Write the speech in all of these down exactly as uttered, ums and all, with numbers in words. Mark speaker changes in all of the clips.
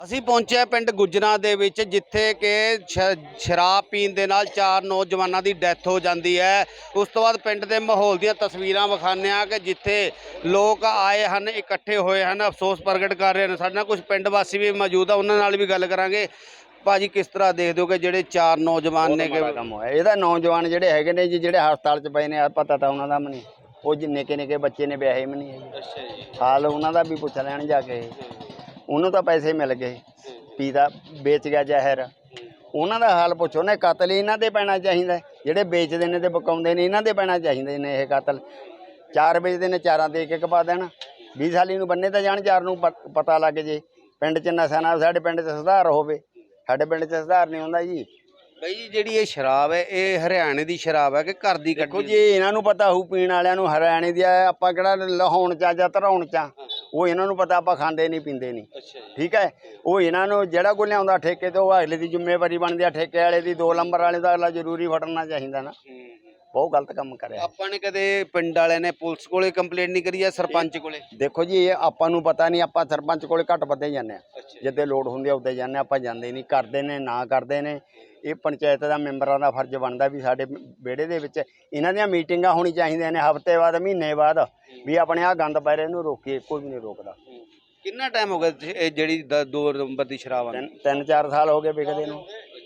Speaker 1: ਅਸੀਂ ਪਹੁੰਚੇ ਹਾਂ ਪਿੰਡ ਗੁੱਜਰਾਂ ਦੇ ਵਿੱਚ, ਜਿੱਥੇ ਕਿ ਸ਼ ਸ਼ਰਾਬ ਪੀਣ ਦੇ ਨਾਲ ਚਾਰ ਨੌਜਵਾਨਾਂ ਦੀ ਡੈਥ ਹੋ ਜਾਂਦੀ ਹੈ। ਉਸ ਤੋਂ ਬਾਅਦ ਪਿੰਡ ਦੇ ਮਾਹੌਲ ਦੀਆਂ ਤਸਵੀਰਾਂ ਵਿਖਾਉਂਦੇ ਹਾਂ ਕਿ ਜਿੱਥੇ ਲੋਕ ਆਏ ਹਨ, ਇਕੱਠੇ ਹੋਏ ਹਨ, ਅਫਸੋਸ ਪ੍ਰਗਟ ਕਰ ਰਹੇ ਹਨ। ਸਾਡੇ ਨਾਲ ਕੁਝ ਪਿੰਡ ਵਾਸੀ ਵੀ ਮੌਜੂਦ ਆ, ਉਹਨਾਂ ਨਾਲ ਵੀ ਗੱਲ ਕਰਾਂਗੇ। ਭਾਜੀ, ਕਿਸ ਤਰ੍ਹਾਂ ਦੇਖਦੇ ਹੋ ਕਿ ਜਿਹੜੇ ਚਾਰ ਨੌਜਵਾਨ ਨੇ ਕਿ
Speaker 2: ਕੰਮ ਹੋਇਆ ਇਹਦਾ? ਨੌਜਵਾਨ ਜਿਹੜੇ ਹੈਗੇ ਨੇ ਜੀ, ਜਿਹੜੇ ਹਸਪਤਾਲ 'ਚ ਪਏ ਨੇ, ਪਤਾ ਤਾਂ ਉਹਨਾਂ ਦਾ ਵੀ ਨਹੀਂ। ਉਹ ਜੀ ਨਿੱਕੇ ਨਿੱਕੇ ਬੱਚੇ ਨੇ, ਵਿਆਹੇ ਵੀ ਨਹੀਂ ਹੈਗੇ।
Speaker 1: ਅੱਛਾ ਜੀ।
Speaker 2: ਹਾਲ ਉਹਨਾਂ ਦਾ ਵੀ ਪੁੱਛ ਲੈਣ ਜਾ ਕੇ। ਉਹਨੂੰ ਤਾਂ ਪੈਸੇ ਮਿਲ ਗਏ, ਪੀਦਾ ਵੇਚ ਗਿਆ ਜ਼ਹਿਰ। ਉਹਨਾਂ ਦਾ ਹਾਲ ਪੁੱਛੋ ਨਾ। ਕਤਲ ਇਹਨਾਂ ਦੇ ਪੈਣਾ ਚਾਹੀਦਾ, ਜਿਹੜੇ ਵੇਚਦੇ ਨੇ ਤੇ ਵਿਕਾਉਂਦੇ ਨੇ ਇਹਨਾਂ ਦੇ ਪੈਣਾ ਚਾਹੀਦੇ ਨੇ ਇਹ ਕਤਲ। ਚਾਰ ਵੇਚਦੇ ਨੇ, ਚਾਰਾਂ ਦੇ ਇੱਕ ਇੱਕ ਪਾ ਦੇਣ। ਵੀਹ ਸਾਲੀ ਨੂੰ ਬੰਨੇ ਤਾਂ ਜਾਣ, ਚਾਰ ਨੂੰ ਪਤਾ ਲੱਗ ਜੇ। ਪਿੰਡ 'ਚ ਨਸ਼ਾ ਨਾਲ ਸਾਡੇ ਪਿੰਡ 'ਚ ਸੁਧਾਰ ਹੋਵੇ। ਸਾਡੇ ਪਿੰਡ 'ਚ ਸੁਧਾਰ ਨਹੀਂ ਹੁੰਦਾ ਜੀ।
Speaker 1: ਬਈ ਜੀ, ਜਿਹੜੀ ਇਹ ਸ਼ਰਾਬ ਹੈ, ਇਹ ਹਰਿਆਣੇ ਦੀ ਸ਼ਰਾਬ ਹੈ ਕਿ ਘਰ ਦੀ
Speaker 2: ਦੇਖੋ
Speaker 1: ਕੱਢੀ?
Speaker 2: ਜੀ, ਇਹਨਾਂ ਨੂੰ ਪਤਾ ਹੋਊ, ਪੀਣ ਵਾਲਿਆਂ ਨੂੰ ਹਰਿਆਣੇ ਦੀ ਆ। ਆਪਾਂ ਕਿਹੜਾ ਲਹਾਉਣ 'ਚ ਜਾਂ ਧਰਾਉਣ 'ਚ ਆ। ਉਹ ਇਹਨਾਂ ਨੂੰ ਪਤਾ, ਆਪਾਂ ਖਾਂਦੇ ਨਹੀਂ ਪੀਂਦੇ ਨਹੀਂ।
Speaker 1: ਅੱਛਾ ਜੀ।
Speaker 2: ਠੀਕ ਹੈ। ਉਹ ਇਹਨਾਂ ਨੂੰ ਜਿਹੜਾ ਕੋਈ ਲਿਆਉਂਦਾ ਠੇਕੇ ਤੋਂ, ਉਹ ਅਗਲੇ ਦੀ ਜ਼ਿੰਮੇਵਾਰੀ ਬਣਦੀ ਆ। ਠੇਕੇ ਵਾਲੇ ਦੀ, ਦੋ ਨੰਬਰ ਵਾਲੇ ਦਾ ਅਗਲਾ ਜ਼ਰੂਰੀ ਫੜਨਾ ਚਾਹੀਦਾ ਨਾ। ਬਹੁਤ ਗਲਤ ਕੰਮ ਕਰਿਆ।
Speaker 1: ਆਪਾਂ ਨੇ ਕਦੇ ਪਿੰਡ ਵਾਲਿਆਂ ਨੇ ਪੁਲਿਸ ਕੋਲੇ ਕੰਪਲੇਂਟ ਨਹੀਂ ਕਰੀ ਜਾਂ ਸਰਪੰਚ ਕੋਲੇ?
Speaker 2: ਦੇਖੋ ਜੀ, ਇਹ ਆਪਾਂ ਨੂੰ ਪਤਾ ਨਹੀਂ। ਆਪਾਂ ਸਰਪੰਚ ਕੋਲੇ ਘੱਟ ਵੱਧੇ ਜਾਂਦੇ ਹਾਂ। ਜਿੱਦੇ ਲੋੜ ਹੁੰਦੀ ਆ ਉੱਦੇ ਜਾਂਦੇ, ਆਪਾਂ ਜਾਂਦੇ ਨਹੀਂ। ਕਰਦੇ ਨੇ ਨਾ ਕਰਦੇ ਨੇ। ਇਹ ਪੰਚਾਇਤ ਦਾ ਮੈਂਬਰਾਂ ਦਾ ਫਰਜ਼ ਬਣਦਾ ਵੀ ਸਾਡੇ ਵਿਹੜੇ ਦੇ ਵਿੱਚ ਇਹਨਾਂ ਦੀਆਂ ਮੀਟਿੰਗਾਂ ਹੋਣੀ ਚਾਹੀਦੀਆਂ ਨੇ, ਹਫ਼ਤੇ ਬਾਅਦ, ਮਹੀਨੇ ਬਾਅਦ, ਵੀ ਆਪਣੇ ਆਹ ਗੰਦ ਪੈ ਰਹੇ ਇਹਨੂੰ ਰੋਕੀਏ। ਕੋਈ ਵੀ ਨਹੀਂ ਰੋਕਦਾ।
Speaker 1: ਕਿੰਨਾ ਟਾਈਮ ਹੋ ਗਿਆ ਇਹ ਜਿਹੜੀ ਦ- ਦੋ ਨੰਬਰ ਦੀ ਸ਼ਰਾਬ ਆ?
Speaker 2: ਤਿੰਨ ਤਿੰਨ ਚਾਰ ਸਾਲ ਹੋ ਗਏ ਵਿਕਦੇ ਨੂੰ।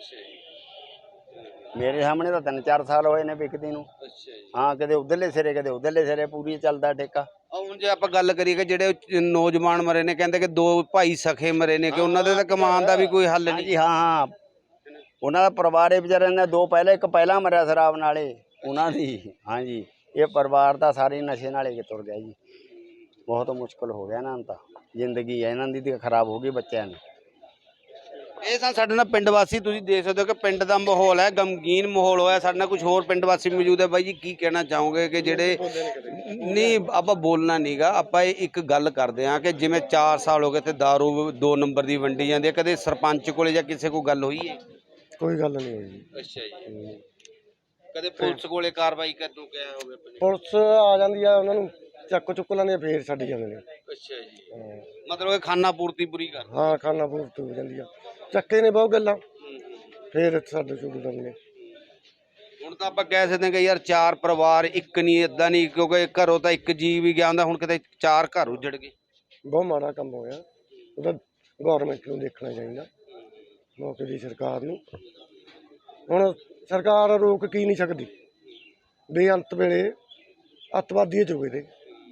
Speaker 2: ਮੇਰੇ ਸਾਹਮਣੇ ਤਾਂ ਤਿੰਨ ਚਾਰ ਸਾਲ ਹੋਏ ਨੇ ਵਿਕਦੀ ਨੂੰ। ਹਾਂ, ਕਦੇ ਉਧਰਲੇ ਸਿਰੇ, ਕਦੇ ਉਧਰਲੇ ਸਿਰੇ, ਪੂਰੀ ਚੱਲਦਾ ਠੇਕਾ।
Speaker 1: ਹੁਣ ਜੇ ਆਪਾਂ ਗੱਲ ਕਰੀਏ ਕਿ ਜਿਹੜੇ ਨੌਜਵਾਨ ਮਰੇ ਨੇ, ਕਹਿੰਦੇ ਕਿ ਦੋ ਭਾਈ ਸਖੇ ਮਰੇ ਨੇ, ਕਿ ਉਹਨਾਂ ਦੇ ਤਾਂ ਕਮਾਉਣ ਦਾ ਵੀ ਕੋਈ ਹੱਲ ਨਹੀਂ?
Speaker 2: ਜੀ ਹਾਂ ਹਾਂ, ਉਹਨਾਂ ਦਾ ਪਰਿਵਾਰ ਇਹ ਵਿਚਾਰਿਆਂ ਨੇ ਦੋ ਪਹਿਲੇ, ਇੱਕ ਪਹਿਲਾਂ ਮਰਿਆ ਸ਼ਰਾਬ ਨਾਲੇ ਉਹਨਾਂ ਦੀ। ਹਾਂਜੀ, ਇਹ ਪਰਿਵਾਰ ਦਾ ਸਾਰੇ ਨਸ਼ੇ ਨਾਲੇ ਤੁਰ ਗਿਆ ਜੀ। ਬਹੁਤ ਮੁਸ਼ਕਲ ਹੋ ਗਿਆ ਇਹਨਾਂ ਨੂੰ ਤਾਂ। ਜ਼ਿੰਦਗੀ ਹੈ ਇਹਨਾਂ ਦੀ ਤਾਂ ਖਰਾਬ ਹੋ ਗਈ ਬੱਚਿਆਂ ਦੀ।
Speaker 1: ਇਹ ਤਾਂ ਸਾਡੇ ਨਾਲ ਪਿੰਡ ਵਾਸੀ, ਤੁਸੀਂ ਦੇਖ ਸਕਦੇ ਹੋ ਕਿ ਪਿੰਡ ਦਾ ਮਾਹੌਲ ਹੈ, ਗਮਗੀਨ ਮਾਹੌਲ ਹੋਇਆ। ਸਾਡੇ ਨਾਲ ਕੁਝ ਹੋਰ ਪਿੰਡ ਵਾਸੀ ਮੌਜੂਦ ਹੈ। ਬਾਈ ਜੀ, ਕੀ ਕਹਿਣਾ ਚਾਹੋਗੇ ਕਿ ਜਿਹੜੇ ਨਹੀਂ, ਆਪਾਂ ਬੋਲਣਾ ਨਹੀਂਗਾ, ਆਪਾਂ ਇਹ ਇੱਕ ਗੱਲ ਕਰਦੇ ਹਾਂ ਕਿ ਜਿਵੇਂ ਚਾਰ ਸਾਲ ਹੋ ਗਏ ਤੇ ਦਾਰੂ ਦੋ ਨੰਬਰ ਦੀ ਵੰਡੀ ਜਾਂਦੀ ਹੈ, ਕਦੇ ਸਰਪੰਚ ਕੋਲੇ ਜਾਂ ਕਿਸੇ ਕੋਲ ਗੱਲ ਹੋਈ ਹੈ?
Speaker 3: ਕੋਈ ਗੱਲ ਨਹੀਂ ਹੋਈ ਜੀ।
Speaker 1: ਅੱਛਾ ਜੀ। ਕਦੇ ਪੁਲਿਸ ਕੋਲੇ ਕਾਰਵਾਈ ਕਰਨ ਗਿਆ ਹੋਵੇ?
Speaker 3: ਪੁਲਿਸ ਆ ਜਾਂਦੀ ਆ, ਉਹਨਾਂ ਨੂੰ ਚੱਕ ਚੁੱਕ ਲੈਂਦੇ ਆ, ਫੇਰ ਛੱਡ ਜਾਂਦੇ ਨੇ।
Speaker 1: ਅੱਛਾ ਜੀ। ਮਤਲਬ ਇਹ ਖਾਨਾ ਪੂਰਤੀ ਪੂਰੀ ਕਰ?
Speaker 3: ਹਾਂ, ਖਾਣਾ ਪੂਰਤੀ ਹੋ ਜਾਂਦੀ ਆ। ਚੱਕੇ ਨੇ ਬਹੁਤ ਗੱਲਾਂ, ਫੇਰ ਸਾਡੇ ਚੁੱਕ ਜਾਂਦੇ ਨੇ।
Speaker 1: ਹੁਣ ਤਾਂ ਆਪਾਂ ਕਹਿ ਸਕਦੇ ਹਾਂ ਕਿ ਯਾਰ ਚਾਰ ਪਰਿਵਾਰ ਇੱਕ ਨਹੀਂ, ਇਦਾਂ ਨਹੀਂ, ਕਿਉਂਕਿ ਘਰੋਂ ਤਾਂ ਇੱਕ ਜੀ ਵੀ ਗਿਆ ਹੁੰਦਾ, ਹੁਣ ਕਿਤੇ ਚਾਰ ਘਰ ਉੱਜੜ ਗਏ।
Speaker 3: ਬਹੁਤ ਮਾੜਾ ਕੰਮ ਹੋਇਆ। ਉਹਦਾ ਗੌਰਮੈਂਟ ਨੂੰ ਦੇਖਣਾ ਚਾਹੀਦਾ, ਮੌਕੇ ਦੀ ਸਰਕਾਰ ਨੂੰ। ਹੁਣ ਸਰਕਾਰ ਰੋਕ ਕੀ ਨਹੀਂ ਸਕਦੀ। ਬੇਅੰਤ ਵੇਲੇ ਅੱਤਵਾਦੀ ਚੁਗੇ ਤੇ,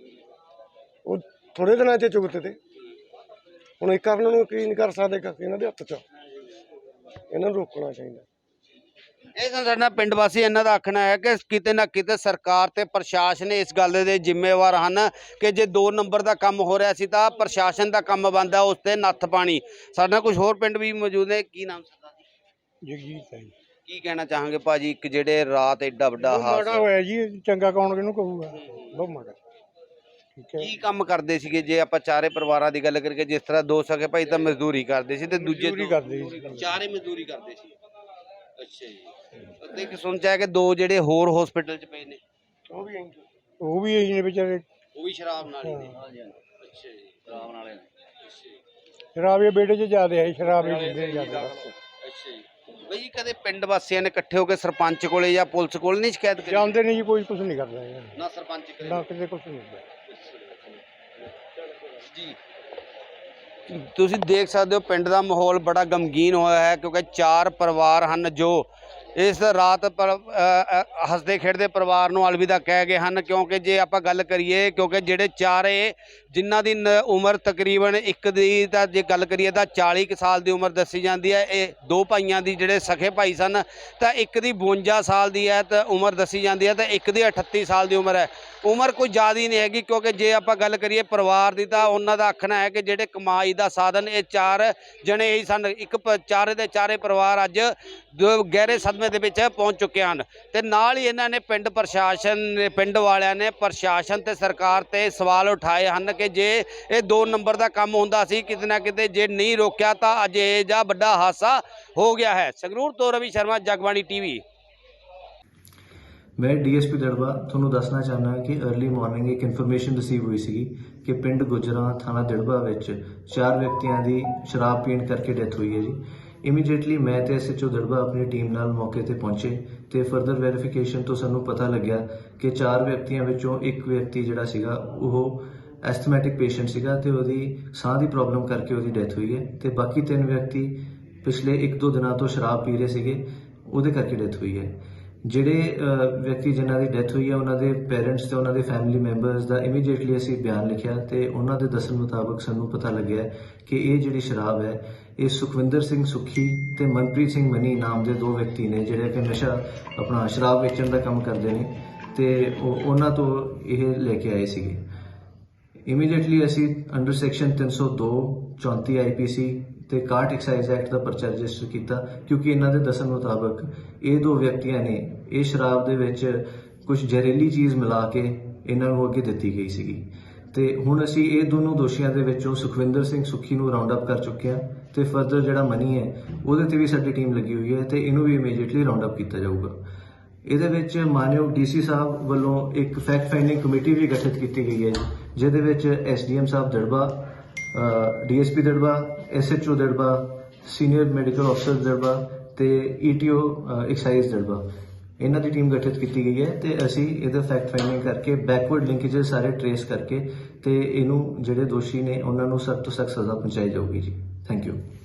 Speaker 3: ਉਹ ਥੋੜੇ ਦਿਨਾਂ 'ਚ ਚੁਗਤੇ ਤੇ। ਹੁਣ ਇਹ ਕਰਨ ਨੂੰ ਕੀ ਨਹੀਂ ਕਰ ਸਕਦੇ, ਇਹਨਾਂ ਦੇ ਹੱਥ 'ਚ। ਇਹਨਾਂ ਨੂੰ ਰੋਕਣਾ ਚਾਹੀਦਾ।
Speaker 1: ਇਹ ਤਾਂ ਸਾਡਾ ਪਿੰਡ ਵਾਸੀ, ਇਹਨਾਂ ਦਾ ਆਖਣਾ ਹੈ ਕਿ ਕਿਤੇ ਨਾ ਕਿਤੇ ਸਰਕਾਰ ਤੇ ਪ੍ਰਸ਼ਾਸਨ ਇਸ ਗੱਲ ਦੇ ਜ਼ਿੰਮੇਵਾਰ ਹਨ ਕਿ ਜੇ ਦੋ ਨੰਬਰ ਦਾ ਕੰਮ ਹੋ ਰਿਹਾ ਸੀ ਤਾਂ ਪ੍ਰਸ਼ਾਸਨ ਦਾ ਕੰਮ ਬਣਦਾ ਉਸ ਤੇ ਨੱਥ ਪਾਣੀ। ਸਾਡੇ ਨਾਲ ਕੁਝ ਹੋਰ ਪਿੰਡ ਵੀ ਮੌਜੂਦ ਨੇ। ਕੀ ਨਾਮ ਸਰਦਾਰ ਜੀ?
Speaker 3: ਜਗਜੀਤ ਹੈ ਜੀ।
Speaker 1: ਕੀ ਕਹਿਣਾ ਚਾਹਾਂਗੇ ਭਾਜੀ, ਇੱਕ ਜਿਹੜੇ ਰਾਤ ਐਡਾ ਵੱਡਾ ਹਾਦਸਾ
Speaker 3: ਹੋਇਆ ਜੀ, ਚੰਗਾ ਕੌਣ ਕਿਹਨੂੰ ਕਹੂਗਾ, ਬਹੁਤ ਮਾੜਾ।
Speaker 1: ਕੀ ਕੰਮ ਕਰਦੇ ਸੀਗੇ? ਜੇ ਆਪਾਂ ਚਾਰੇ ਪਰਿਵਾਰਾਂ ਦੀ ਗੱਲ ਕਰੀਏ, ਜਿਸ ਤਰ੍ਹਾਂ ਦੋ ਸਕੇ ਭਾਈ ਤਾਂ ਮਜ਼ਦੂਰੀ ਕਰਦੇ ਸੀ ਤੇ ਦੂਜੇ ਚਾਰੇ ਮਜ਼ਦੂਰੀ ਕਰਦੇ ਸੀ। ਅੱਛਾ ਜੀ। ਤੇ ਇੱਕ ਸੁਣਚਾ ਕਿ ਦੋ ਜਿਹੜੇ ਹੋਰ ਹਸਪੀਟਲ 'ਚ ਪਏ ਨੇ,
Speaker 3: ਉਹ ਵੀ ਉਹ ਵੀ ਇਹੀ ਨੇ ਵਿਚਾਰੇ,
Speaker 1: ਉਹ ਵੀ ਸ਼ਰਾਬ ਨਾਲ ਹੀ ਨੇ। ਅੱਛਾ ਜੀ, ਸ਼ਰਾਬ ਨਾਲ ਨੇ।
Speaker 3: ਸ਼ਰਾਬੀਏ ਬੇਟੇ 'ਚ ਜ਼ਿਆਦਾ ਹੈ, ਸ਼ਰਾਬੀ ਬੰਦੇ ਜ਼ਿਆਦਾ।
Speaker 1: ਅੱਛਾ ਜੀ। ਬਈ ਕਦੇ ਪਿੰਡ ਵਾਸੀਆਂ ਨੇ ਇਕੱਠੇ ਹੋ ਕੇ ਸਰਪੰਚ ਕੋਲੇ ਜਾਂ ਪੁਲਿਸ ਕੋਲ ਨਹੀਂ ਸ਼ਿਕਾਇਤ ਕਰੀ?
Speaker 3: ਜਾਂਦੇ ਨਹੀਂ ਜੀ, ਕੋਈ ਕੁਝ ਨਹੀਂ ਕਰਦਾ
Speaker 1: ਨਾ ਸਰਪੰਚ ਕਰੇ
Speaker 3: ਨਾ ਕਿਤੇ ਕੁਝ ਨਹੀਂ
Speaker 1: ਜੀ। ਤੁਸੀਂ ਦੇਖ ਸਕਦੇ ਹੋ ਪਿੰਡ ਦਾ ਮਾਹੌਲ ਬੜਾ ਗਮਗੀਨ ਹੋਇਆ ਹੈ, ਕਿਉਂਕਿ ਚਾਰ ਪਰਿਵਾਰ ਹਨ ਜੋ ਇਸ ਰਾਤ ਪਰ ਹੱਸਦੇ ਖੇਡਦੇ ਪਰਿਵਾਰ ਨੂੰ ਅਲਵਿਦਾ ਕਹਿ ਗਏ ਹਨ। ਕਿਉਂਕਿ ਜੇ ਆਪਾਂ ਗੱਲ ਕਰੀਏ, ਕਿਉਂਕਿ ਜਿਹੜੇ ਚਾਰੇ ਜਿਨ੍ਹਾਂ ਦੀ ਉਮਰ ਤਕਰੀਬਨ ਇੱਕ ਦੀ ਤਾਂ ਜੇ ਗੱਲ ਕਰੀਏ ਤਾਂ ਚਾਲੀ ਕੁ ਸਾਲ ਦੀ ਉਮਰ ਦੱਸੀ ਜਾਂਦੀ ਹੈ। ਇਹ ਦੋ ਭਾਈਆਂ ਦੀ ਜਿਹੜੇ ਸਖੇ ਭਾਈ ਸਨ ਤਾਂ ਇੱਕ ਦੀ ਬਵੰਜਾ ਸਾਲ ਦੀ ਹੈ ਤਾਂ ਉਮਰ ਦੱਸੀ ਜਾਂਦੀ ਹੈ, ਤਾਂ ਇੱਕ ਦੀ ਅਠੱਤੀ ਸਾਲ ਦੀ ਉਮਰ ਹੈ। ਉਮਰ ਕੋਈ ਜ਼ਿਆਦਾ ਨਹੀਂ ਹੈਗੀ, ਕਿਉਂਕਿ ਜੇ ਆਪਾਂ ਗੱਲ ਕਰੀਏ ਪਰਿਵਾਰ ਦੀ ਤਾਂ ਉਹਨਾਂ ਦਾ ਆਖਣਾ ਹੈ ਕਿ ਜਿਹੜੇ ਕਮਾਈ ਦਾ ਸਾਧਨ ਇਹ ਚਾਰ ਜਣੇ ਹੀ ਸਨ। ਇੱਕ ਚਾਰੇ ਦੇ ਚਾਰੇ ਪਰਿਵਾਰ ਅੱਜ ਗਹਿਰੇ ਸਦਮੇ ਦੇ ਵਿੱਚ ਪਹੁੰਚ ਚੁੱਕੇ ਹਨ। ਤੇ ਨਾਲ ਹੀ ਇਹਨਾਂ ਨੇ ਪਿੰਡ ਪ੍ਰਸ਼ਾਸਨ, ਪਿੰਡ ਵਾਲਿਆਂ ਨੇ ਪ੍ਰਸ਼ਾਸਨ ਤੇ ਸਰਕਾਰ ਤੇ ਸਵਾਲ ਉਠਾਏ ਹਨ ਕਿ ਜੇ ਇਹ ਦੋ ਨੰਬਰ ਦਾ ਕੰਮ ਹੁੰਦਾ ਸੀ, ਕਿਤੇ ਨਾ ਕਿਤੇ ਜੇ ਨਹੀਂ ਰੋਕਿਆ ਤਾਂ ਅੱਜ ਇਹ ਜਾਂ ਵੱਡਾ ਹਾਦਸਾ ਹੋ ਗਿਆ ਹੈ। ਸੰਗਰੂਰ ਤੋਂ ਰਵੀ ਸ਼ਰਮਾ, ਜਗਬਾਣੀ ਟੀਵੀ।
Speaker 4: मैं डी एस पी दड़बा ਤੁਹਾਨੂੰ ਦੱਸਣਾ ਚਾਹੁੰਦਾ ਕਿ अर्ली ਮਾਰਨਿੰਗ ਇੱਕ ਇਨਫੋਰਮੇਸ਼ਨ ਰਿਸੀਵ ਹੋਈ ਸੀ ਕਿ ਪਿੰਡ ਗੁਜਰਾਂ ਥਾਣਾ ਦਿੜਬਾ ਵਿੱਚ ਚਾਰ ਵਿਅਕਤੀਆਂ ਦੀ ਸ਼ਰਾਬ ਪੀਣ ਕਰਕੇ ਡੈਥ ਹੋਈ ਹੈ ਜੀ। ਇਮੀਡੀਏਟਲੀ ਮੈਂ ਤੇ ਐਸਐਚਓ ਦਿੜਬਾ ਆਪਣੀ ਟੀਮ ਨਾਲ ਮੌਕੇ ਤੇ ਪਹੁੰਚੇ ਤੇ ਫਰਦਰ ਵੈਰੀਫਿਕੇਸ਼ਨ ਤੋਂ ਸਾਨੂੰ ਪਤਾ ਲੱਗਿਆ ਕਿ ਚਾਰ ਵਿਅਕਤੀਆਂ ਵਿੱਚੋਂ ਇੱਕ ਵਿਅਕਤੀ ਜਿਹੜਾ ਸੀਗਾ ਉਹ ਐਸਥਮੈਟਿਕ ਪੇਸ਼ੈਂਟ ਸੀਗਾ ਤੇ ਉਹਦੀ ਸਾਹ ਦੀ ਪ੍ਰੋਬਲਮ ਕਰਕੇ ਉਹਦੀ ਡੈਥ ਹੋਈ ਹੈ ਤੇ ਬਾਕੀ ਤਿੰਨ ਵਿਅਕਤੀ ਪਿਛਲੇ ਇੱਕ ਦੋ ਦਿਨਾਂ ਤੋਂ ਸ਼ਰਾਬ ਪੀ ਰਹੇ ਸੀਗੇ, ਉਹਦੇ ਕਰਕੇ ਡੈਥ ਹੋਈ ਹੈ। ਜਿਹੜੇ ਵਿਅਕਤੀ ਜਿਨ੍ਹਾਂ ਦੀ ਡੈਥ ਹੋਈ ਹੈ ਉਹਨਾਂ ਦੇ ਪੇਰੈਂਟਸ ਤੇ ਉਹਨਾਂ ਦੇ ਫੈਮਿਲੀ ਮੈਂਬਰਸ ਦਾ ਇਮੀਡੀਏਟਲੀ ਅਸੀਂ ਬਿਆਨ ਲਿਖਿਆ ਤੇ ਉਹਨਾਂ ਦੇ ਦੱਸਣ ਮੁਤਾਬਕ ਸਾਨੂੰ ਪਤਾ ਲੱਗਿਆ ਕਿ ਇਹ ਜਿਹੜੀ ਸ਼ਰਾਬ ਹੈ ਇਹ ਸੁਖਵਿੰਦਰ ਸਿੰਘ ਸੁੱਖੀ ਤੇ ਮਨਪ੍ਰੀਤ ਸਿੰਘ ਮਨੀ ਨਾਮ ਦੇ ਦੋ ਵਿਅਕਤੀ ਨੇ ਜਿਹੜੇ ਕਿ ਨਸ਼ਾ ਆਪਣਾ ਸ਼ਰਾਬ ਵੇਚਣ ਦਾ ਕੰਮ ਕਰਦੇ ਨੇ ਤੇ ਉਹ ਉਹਨਾਂ ਤੋਂ ਇਹ ਲੈ ਕੇ ਆਏ ਸੀਗੇ। ਇਮੀਡੀਏਟਲੀ ਅਸੀਂ ਅੰਡਰ ਸੈਕਸ਼ਨ ਤਿੰਨ ਸੌ ਦੋ ਚੌਂਤੀ ਆਈਪੀਸੀ ਤੇ ਇਕਾਹਠ ਐਕਸਾਈਜ਼ ਐਕਟ ਦਾ ਪਰਚਾ ਰਜਿਸਟਰ ਕੀਤਾ ਕਿਉਂਕਿ ਇਹਨਾਂ ਦੇ ਦੱਸਣ ਮੁਤਾਬਕ ਇਹ ਦੋ ਵਿਅਕਤੀਆਂ ਨੇ ਇਹ ਸ਼ਰਾਬ ਦੇ ਵਿੱਚ ਕੁਝ ਜ਼ਹਿਰੀਲੀ ਚੀਜ਼ ਮਿਲਾ ਕੇ ਇਹਨਾਂ ਨੂੰ ਅੱਗੇ ਦਿੱਤੀ ਗਈ ਸੀਗੀ ਤੇ ਹੁਣ ਅਸੀਂ ਇਹ ਦੋਨੋਂ ਦੋਸ਼ੀਆਂ ਦੇ ਵਿੱਚੋਂ ਸੁਖਵਿੰਦਰ ਸਿੰਘ ਸੁੱਖੀ ਨੂੰ ਰਾਉਂਡ ਅਪ ਕਰ ਚੁੱਕੇ ਹਾਂ ਤੇ ਫਰਦਰ ਜਿਹੜਾ ਮਨੀ ਹੈ ਉਹਦੇ ਤੇ ਵੀ ਸਾਡੀ ਟੀਮ ਲੱਗੀ ਹੋਈ ਹੈ ਤੇ ਇਹਨੂੰ ਵੀ ਇਮੀਡੀਏਟਲੀ ਰਾਉਂਡ ਅਪ ਕੀਤਾ ਜਾਊਗਾ। ਇਹਦੇ ਵਿੱਚ ਮਾਨਯੋਗ ਡੀਸੀ ਸਾਹਿਬ ਵੱਲੋਂ ਇੱਕ ਫੈਕਟ ਫਾਈਂਡਿੰਗ ਕਮੇਟੀ ਵੀ ਗਠਿਤ ਕੀਤੀ ਗਈ ਹੈ ਜਿਹਦੇ ਵਿੱਚ ਐਸਡੀਐਮ ਸਾਹਿਬ Dirba, DSP Dirba, SHO Dirba, senior medical ਅਫਸਰ ਦਿੜਬਾ ਤੇ ਈਟੀਓ ਐਕਸਾਈਜ਼ ਦਿੜਬਾ ਇਹਨਾਂ ਦੀ ਟੀਮ ਗਠਿਤ ਕੀਤੀ ਗਈ ਹੈ ਤੇ ਅਸੀਂ ਇਹਦਾ ਫੈਕਟ ਫਾਈਂਡਿੰਗ ਕਰਕੇ ਬੈਕਵਰਡ ਲਿੰਕੇजेस ਸਾਰੇ ਟਰੇਸ ਕਰਕੇ ਤੇ ਇਹਨੂੰ ਜਿਹੜੇ ਦੋਸ਼ੀ ਨੇ ਉਹਨਾਂ ਨੂੰ ਸਖਤ ਤੋਂ ਸਖਤ ਸਜ਼ਾ ਪਹੁੰਚਾਈ ਜਾਊਗੀ ਜੀ। Thank you.